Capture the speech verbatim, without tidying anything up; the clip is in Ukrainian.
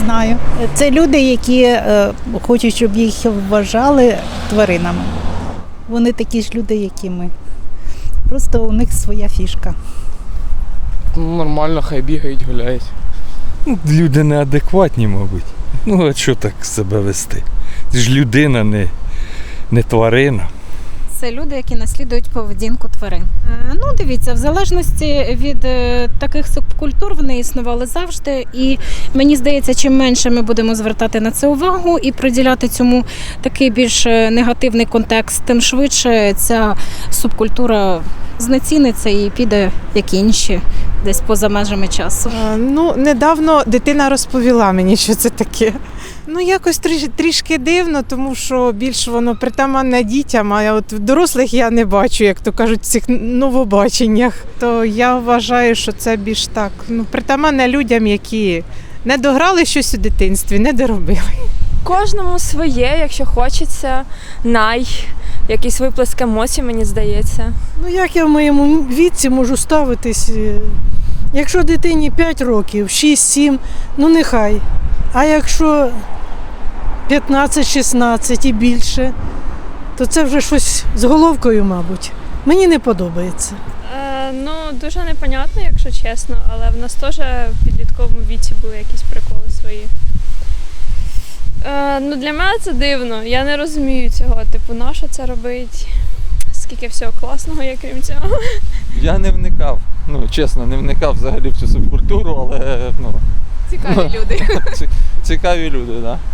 знаю. Це люди, які е, хочуть, щоб їх вважали тваринами. Вони такі ж люди, як і ми. Просто у них своя фішка. Ну, нормально, хай бігають, гуляють. Ну, люди неадекватні, мабуть. Ну, а що так себе вести? Ти ж людина, не, не тварина. Це люди, які наслідують поведінку тварин. Е, Ну, дивіться, в залежності від е, таких субкультур вони існували завжди. І мені здається, чим менше ми будемо звертати на це увагу і приділяти цьому такий більш негативний контекст, тим швидше ця субкультура знеціниться і піде, як інші, десь поза межами часу. А, Ну, недавно дитина розповіла мені, що це таке. Ну, якось тріш- трішки дивно, тому що більш воно притаманне дітям, а от дорослих я не бачу, як то кажуть, в цих новобаченнях. То я вважаю, що це більш так, ну, притаманне людям, які не дограли щось у дитинстві, не доробили. Кожному своє, якщо хочеться, най, якийсь виплеск емоцій, мені здається. Ну як я в моєму віці можу ставитись? е, Якщо дитині п'ять років, шість-сім, ну нехай. А якщо п'ятнадцять-шістнадцять і більше, то це вже щось з головкою, мабуть. Мені не подобається. Е, ну, дуже непонятно, якщо чесно, але в нас теж в підлітковому віці були якісь приколи свої. Е, ну, для мене це дивно. Я не розумію цього. Типу, на що це робить? Скільки всього класного є, крім цього. Я не вникав, ну, чесно, не вникав взагалі в цю субкультуру, але, ну... Цікаві люди. Цікаві люди, так. Да.